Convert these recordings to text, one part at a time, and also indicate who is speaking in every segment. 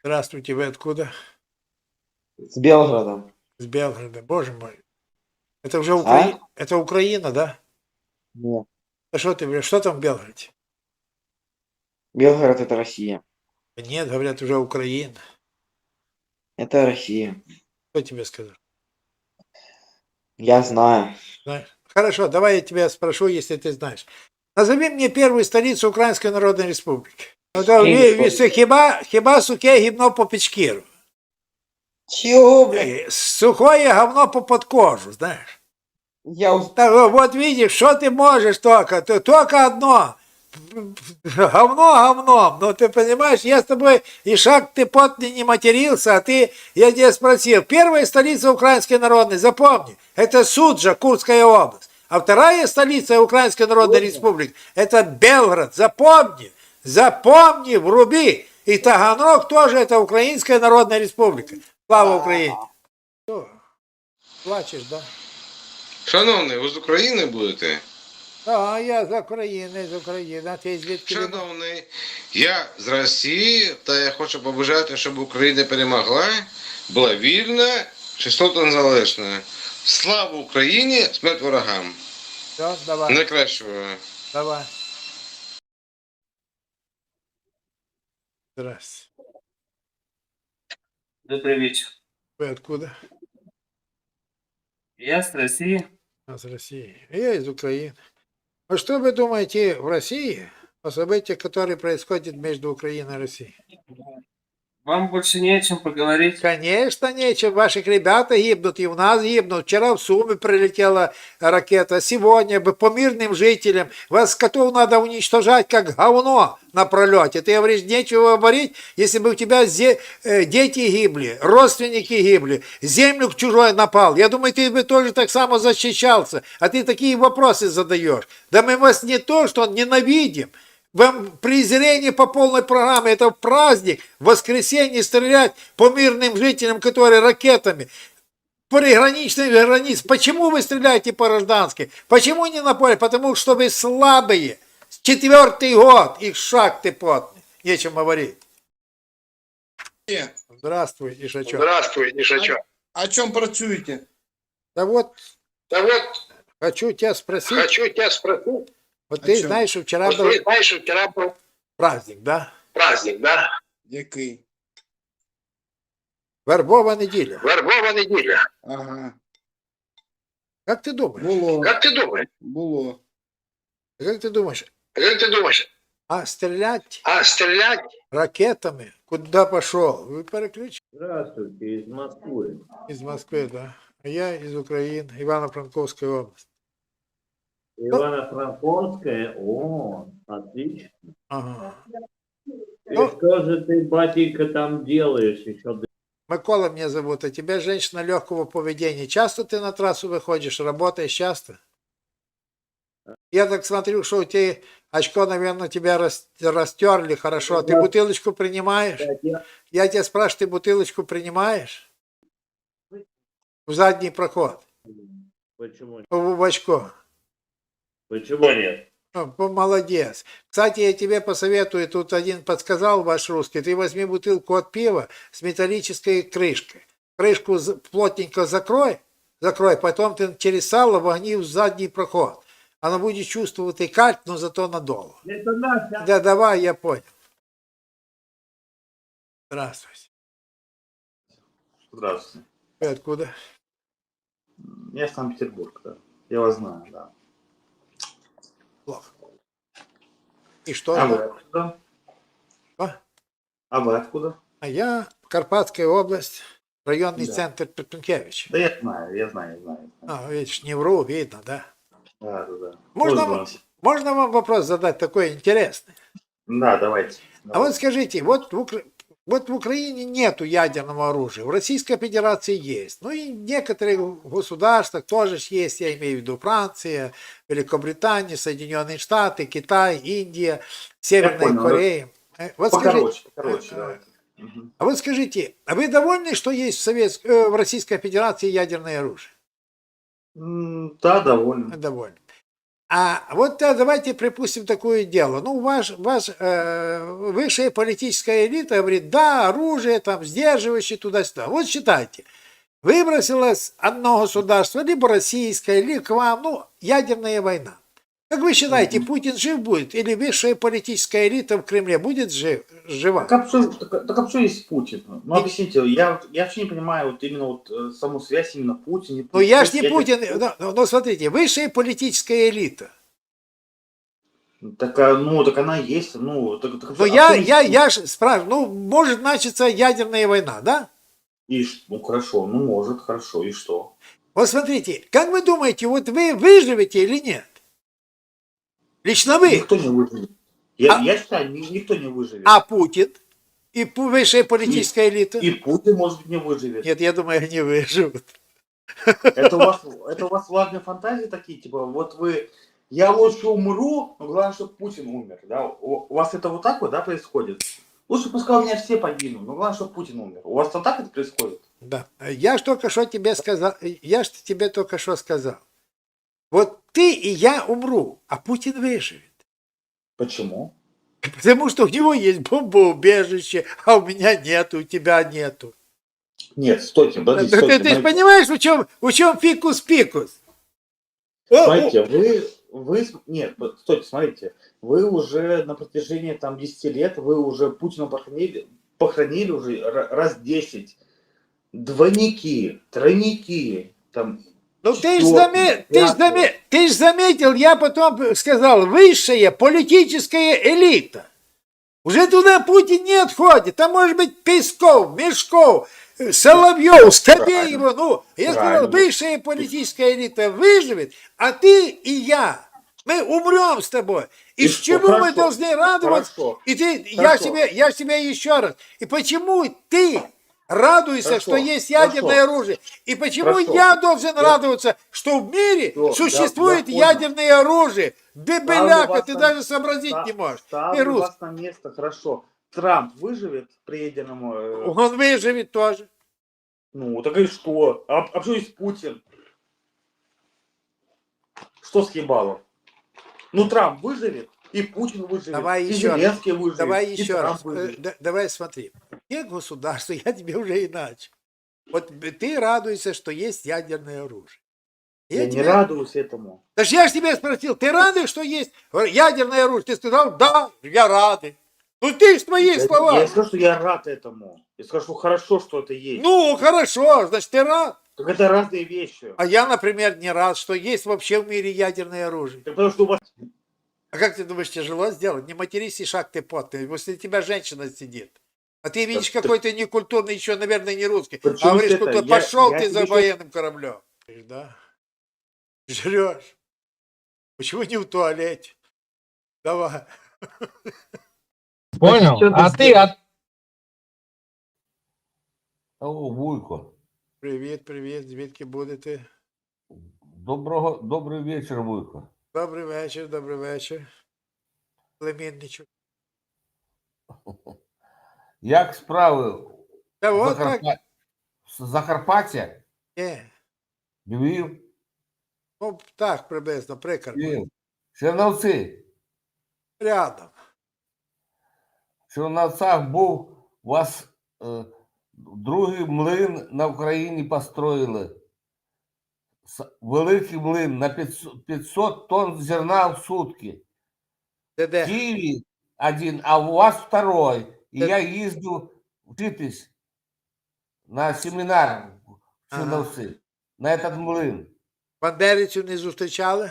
Speaker 1: Здравствуйте, вы откуда?
Speaker 2: С Белгородом.
Speaker 1: С Белгорода. Боже мой. Это уже
Speaker 2: А?
Speaker 1: Это Украина, да?
Speaker 2: Нет.
Speaker 1: А что ты, что там в Белгороде?
Speaker 2: Белгород это Россия.
Speaker 1: Нет, говорят, уже Украина.
Speaker 2: Это Россия.
Speaker 1: Кто тебе сказал?
Speaker 2: Я знаю.
Speaker 1: Знаешь? Хорошо, давай я тебя спрошу, если ты знаешь. Назови мне первую столицу Украинской Народной Республики. Ну, да, хіба сухе гімно по печкіру.
Speaker 2: Чего, блядь?
Speaker 1: Сухое говно по подкожу, знаешь.
Speaker 2: Я
Speaker 1: Так, вот видишь, что ты можешь только, только одно. Говно говном. Ну, ты понимаешь, я с тобой и шаг ты потный не матерился, а ты, я тебя спросил, первая столица Украинской Народной, запомни, это Суджа, Курская область. А вторая столица Украинской Народной Республики, это Белгород. Запомни, запомни, вруби. И Таганрог тоже это Украинская Народная Республика. Слава Украине. Что, плачешь, да?
Speaker 3: Шановний, ви з України будете?
Speaker 1: А я з України, а ти звідки?
Speaker 3: Шановний, я з Росії, та я хочу побажати, щоб Україна перемогла, була вільна, чистота незалежна. Слава Україні, смерть ворогам.
Speaker 1: Все, давай,
Speaker 3: Найкращого.
Speaker 1: давай. Здравствуйте.
Speaker 4: Добрый вечер.
Speaker 1: Вы откуда?
Speaker 4: Я с России.
Speaker 1: А, с России. Я из Украины. А что вы думаете в России о событиях, которые происходят между Украиной и Россией?
Speaker 4: Вам больше не о чем поговорить.
Speaker 1: Конечно, нечем. Ваших ребята гибнут, и у нас гибнут. Вчера в Сумы прилетела ракета, сегодня бы по мирным жителям. Вас котов надо уничтожать, как говно на пролете. Ты говоришь, нечего говорить, если бы у тебя дети гибли, родственники гибли, землю чужой напал. Я думаю, ты бы тоже так само защищался. А ты такие вопросы задаешь. Да мы вас не то, что ненавидим. Вам презрение по полной программе, это праздник, в воскресенье стрелять по мирным жителям, которые ракетами, приграничных границ. Почему вы стреляете по гражданским? Почему не на поле? Потому что вы слабые. 4-й год, их шаг ты потный. Нечем говорить. Здравствуй, Ишачок.
Speaker 5: Здравствуй, Ишачок.
Speaker 6: О чем працюєте?
Speaker 1: Да вот,
Speaker 5: Да вот,
Speaker 1: хочу тебя спросить.
Speaker 5: хочу тебя спросить.
Speaker 1: Вот
Speaker 6: О
Speaker 1: ты
Speaker 6: чем?
Speaker 1: знаешь, что вчера
Speaker 5: Вот
Speaker 1: был
Speaker 5: ты знаешь, вчера был
Speaker 1: праздник, да?
Speaker 5: праздник, да?
Speaker 6: Який?
Speaker 1: Вербова неделя.
Speaker 5: Вербова неделя.
Speaker 6: Ага.
Speaker 1: Как ты думаешь?
Speaker 6: Було.
Speaker 5: Как ты думаешь?
Speaker 6: Було.
Speaker 1: Как ты думаешь?
Speaker 5: Как ты думаешь?
Speaker 1: А стрелять
Speaker 5: А стрелять
Speaker 1: ракетами куда пошел? Вы переключили?
Speaker 7: Здравствуйте, из Москвы.
Speaker 1: Из Москвы, да. А я из Украины, Ивано-Франковская область.
Speaker 7: Ивано-Франковская? О, отлично.
Speaker 1: Ага.
Speaker 7: И
Speaker 1: Ну,
Speaker 7: что же ты, батенька, там делаешь еще?
Speaker 1: Микола меня зовут, а тебя женщина легкого поведения. Часто ты на трассу выходишь, работаешь часто? Я так смотрю, что у тебя очко, наверное, тебя растерли хорошо. Ты бутылочку принимаешь? Я тебя спрашиваю, ты бутылочку принимаешь? В задний проход.
Speaker 7: Почему,
Speaker 1: В очко.
Speaker 7: почему нет?
Speaker 1: Молодец. Кстати, я тебе посоветую, тут один подсказал ваш русский, ты возьми бутылку от пива с металлической крышкой. Крышку плотненько закрой, потом ты через сало вогни в задний проход. Оно будет чувствовать и кальт, но зато надолго.
Speaker 7: Это Настя.
Speaker 1: Да, давай, я понял. Здравствуйте.
Speaker 8: Здравствуйте.
Speaker 1: Вы откуда?
Speaker 8: Я Санкт-Петербург, да. Я вас знаю, да.
Speaker 1: Плохо. И что?
Speaker 8: А вы откуда?
Speaker 1: А?
Speaker 8: А вы откуда?
Speaker 1: А я Карпатская область, районный
Speaker 8: Да.
Speaker 1: центр Петункевич.
Speaker 8: Да я знаю.
Speaker 1: А, видишь, не вру, видно, да?
Speaker 8: Да.
Speaker 1: Можно вам вопрос задать такой интересный?
Speaker 8: Да, давайте.
Speaker 1: А вот скажите, вот в Украине нету ядерного оружия, в Российской Федерации есть. Ну и в некоторых государствах тоже есть, я имею в виду Франция, Великобритания, Соединенные Штаты, Китай, Индия, Северная
Speaker 8: понял.
Speaker 1: Корея. Вот
Speaker 8: Покороче, давайте.
Speaker 1: а вот скажите, а вы довольны, что есть в Российской Федерации ядерное оружие?
Speaker 8: Да, довольно.
Speaker 1: Довольны. А вот давайте припустим такое дело. Ну, высшая политическая элита говорит, да, оружие, там, сдерживающее туда-сюда. Вот считайте, выбросилось одно государство, либо российское, либо к вам, ну, ядерная война. Как вы считаете, Путин жив будет? Или высшая политическая элита в Кремле будет жива?
Speaker 8: Так а что есть Путин? Ну, объясните, я вообще не понимаю вот именно вот саму связь именно Путин.
Speaker 1: Ну, я ж не Путин. Но смотрите, высшая политическая элита.
Speaker 8: Так она есть. Ну,
Speaker 1: Но я ж спрашиваю, ну, может начаться ядерная война, да?
Speaker 8: Ну, хорошо, ну, может, хорошо, и что?
Speaker 1: Вот смотрите, как вы думаете, вот вы выживете или нет? Лично вы.
Speaker 8: Никто не выживет. Я считаю, никто не выживет.
Speaker 1: А Путин и высшая политическая элита?
Speaker 8: И Путин, может быть, не выживет.
Speaker 1: Нет, я думаю, они выживут.
Speaker 8: Это у вас влажные фантазии такие, типа, вот я лучше умру, но главное, чтобы Путин умер, да? У вас это вот так вот, да, происходит? Лучше пускай у меня все погинут, но главное, чтобы Путин умер. У вас вот так это происходит?
Speaker 1: Да. Я ж только что тебе сказал, я ж тебе только что сказал. Вот ты и я умру, а Путин выживет.
Speaker 8: Почему?
Speaker 1: Потому что у него есть бомбоубежище, а у меня нету, у тебя нету.
Speaker 8: Нет, стойте, подождите, стойте.
Speaker 1: Ты же понимаешь, в чем фикус-пикус?
Speaker 8: Смотрите, нет, стойте, смотрите, вы уже на протяжении там 10 лет, вы уже Путина похоронили уже раз 10. Двойники, тройники, там...
Speaker 1: Ну ты ж заметил, я потом сказал, высшая политическая элита. Уже туда Путин не отходит. Там может быть Песков, Мешков, Соловьев, Скобеева. Ну, я сказал, высшая политическая элита выживет, а ты и я, мы умрем с тобой. И с чего мы должны радоваться?
Speaker 8: Хорошо.
Speaker 1: И я тебе еще раз. И почему ты радуйся, что есть ядерное оружие. И почему я должен радоваться, что в мире существует ядерное оружие? Бебеляка, ты даже сообразить не можешь.
Speaker 8: Ставлю вас на место, хорошо. Трамп выживет при ядерном...
Speaker 1: Он выживет тоже.
Speaker 8: Ну, так и что? А что есть Путин? Что съебало? Ну, Трамп выживет, и Путин выживет,
Speaker 1: Давай
Speaker 8: и
Speaker 1: еще
Speaker 8: Зеленский
Speaker 1: раз.
Speaker 8: выживет,
Speaker 1: Давай
Speaker 8: и
Speaker 1: еще
Speaker 8: Трамп
Speaker 1: раз.
Speaker 8: выживет.
Speaker 1: Давай смотри. Нет государства, я тебе уже иначе. Вот ты радуешься, что есть ядерное оружие.
Speaker 8: Я не радуюсь этому.
Speaker 1: Даже я же тебя спросил, ты рады, что есть ядерное оружие? Ты сказал, да, я рады. Ну ты ж твои слова.
Speaker 8: Я скажу, что я рад этому. Я скажу, что хорошо, что это есть.
Speaker 1: Ну, хорошо, значит, ты рад.
Speaker 8: Так это разные вещи.
Speaker 1: А я, например, не рад, что есть вообще в мире ядерное оружие.
Speaker 8: Так потому что у вас...
Speaker 1: А как ты думаешь, тяжело сделать? Не матерись и шаг ты потный, после тебя женщина сидит. А ты видишь, какой ты некультурный, еще, наверное, не русский. А говоришь, что пошел ты за военным кораблем. Да? Жрешь. Почему не в туалете? Давай.
Speaker 9: Понял? О, Вуйко.
Speaker 1: Привіт, звідки будете?
Speaker 9: Добрий вечір, Вуйко.
Speaker 1: Добрий вечір. Племінничок.
Speaker 9: Як справи?
Speaker 1: Та от так.
Speaker 9: Закарпаття?
Speaker 1: Ні.
Speaker 9: Львів?
Speaker 1: Ну, так, приблизно, Прикарпаття.
Speaker 9: Львів. Черновці?
Speaker 1: Рядом.
Speaker 9: В Черновцях був у вас другий млин на Україні построїли. Великий млин на 500 тонн зерна в сутки. В
Speaker 1: Де?
Speaker 9: Киеве один, а у вас второй. И я ездил учитесь на семинар в Черновцы, на этот млин.
Speaker 1: Бандерівців не зустрічали?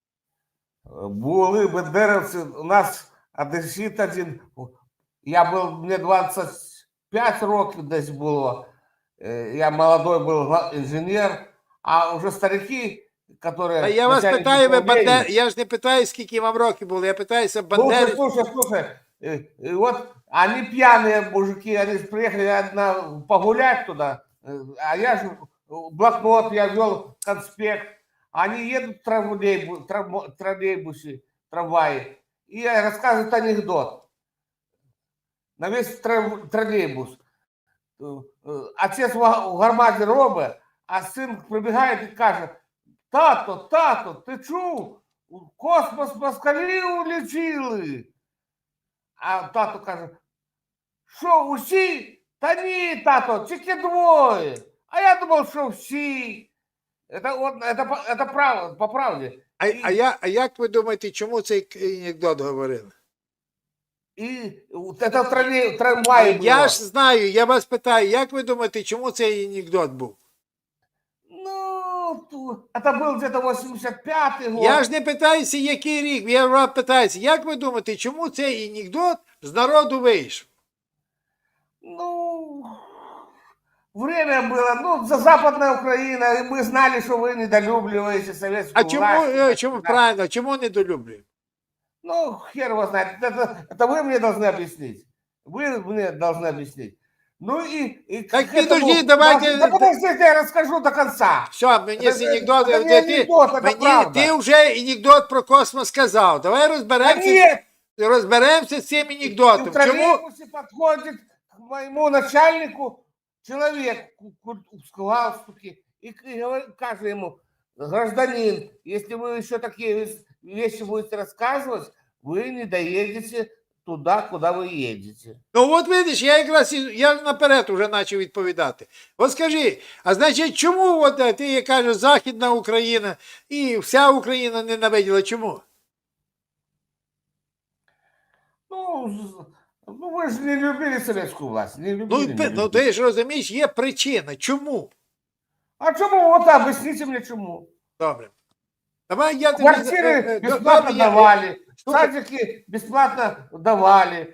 Speaker 9: Були бандеровцы, у нас одесит один, мне 25 років десь було, я молодой был инженер, а уже старики, которые...
Speaker 1: А я вас питаю, я ж не питаю, скільки вам років було, я питаюся бандерівців.
Speaker 9: Слушай, вот они пьяные мужики, они приехали погулять туда, а я же блокнот, я вел конспект, они едут в троллейбусе, трамвае, и рассказывают анекдот на весь троллейбус. Отец в гарматі робить, а сын прибегает и каже: тато, ты чув? в космос москалі улетіли. А тато каже, що усі? Та ні, тато, тільки двоє. А я думав, що всі. Это правда, по правді.
Speaker 1: А як ви думаєте, чому цей анекдот говорили?
Speaker 9: І це в трамваї було.
Speaker 1: Я ж знаю, я вас питаю, як ви думаєте, чому цей анекдот був?
Speaker 9: Ну, це був где-то 85-й год.
Speaker 1: Я ж не питаюся, який рік, я вас питаюся, як ви думаєте, чому цей анекдот з народу вийшов?
Speaker 9: Ну, время было, ну, за Западная Украина, и мы знали, что вы недолюбливаете советскую
Speaker 1: А чому,
Speaker 9: власть.
Speaker 1: чому правильно, чому недолюблюємо?
Speaker 9: Ну, хер его знает, это вы мне должны объяснить. Вы мне должны объяснить. Ну и
Speaker 1: Так
Speaker 9: к этому-
Speaker 1: подожди, давайте-
Speaker 9: Да подождите, я расскажу до конца.
Speaker 1: Все, мені з анекдотом,
Speaker 9: це не анекдот, це правда.
Speaker 1: ти вже анекдот про космос сказав. Давай
Speaker 9: Да
Speaker 1: розберемося,
Speaker 9: нет,
Speaker 1: з цим
Speaker 9: и
Speaker 1: анекдотом.
Speaker 9: в
Speaker 1: Чому?
Speaker 9: троллейбусе подходит к моему начальнику человек в галстуке и кажет ему, гражданин, если вы еще такие вещи будете рассказывать, вы не доедете туда, куда вы едете.
Speaker 1: Ну от видиш, я якраз я наперед вже почав відповідати. От скажи, а значить, чому от, ти кажеш, Західна Україна і вся Україна ненавиділа, чому?
Speaker 9: Ну, вы же не любили советскую власть, не любили. не
Speaker 1: Ну
Speaker 9: любили.
Speaker 1: ти ж розумієш, є причина. Чому?
Speaker 9: А чему? Вот объясните мне, чему.
Speaker 1: Добре. Давай я тобі...
Speaker 9: Квартиры бесплатно
Speaker 1: добре, я-
Speaker 9: давали,
Speaker 1: Слушай.
Speaker 9: садики бесплатно давали,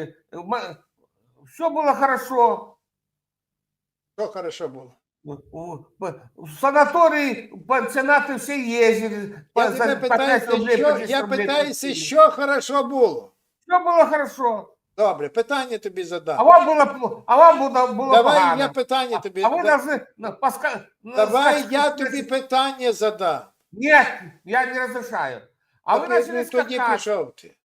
Speaker 9: все было хорошо.
Speaker 1: Що хорошо було?
Speaker 9: В санатории пансионаты все ездили.
Speaker 1: Я тебе питаюся, я питаюся, що хорошо було.
Speaker 9: Все было хорошо.
Speaker 1: Добре, питання тобі
Speaker 9: А
Speaker 1: задам.
Speaker 9: вам было
Speaker 1: Давай
Speaker 9: погано.
Speaker 1: я питання тобі...
Speaker 9: А вы
Speaker 1: да-
Speaker 9: должны...
Speaker 1: Давай я тобі питання задам.
Speaker 9: Нет, я не разрешаю. А вы
Speaker 1: Добре,
Speaker 9: начали
Speaker 1: ну, тоді
Speaker 9: скакать.
Speaker 1: пішов ти.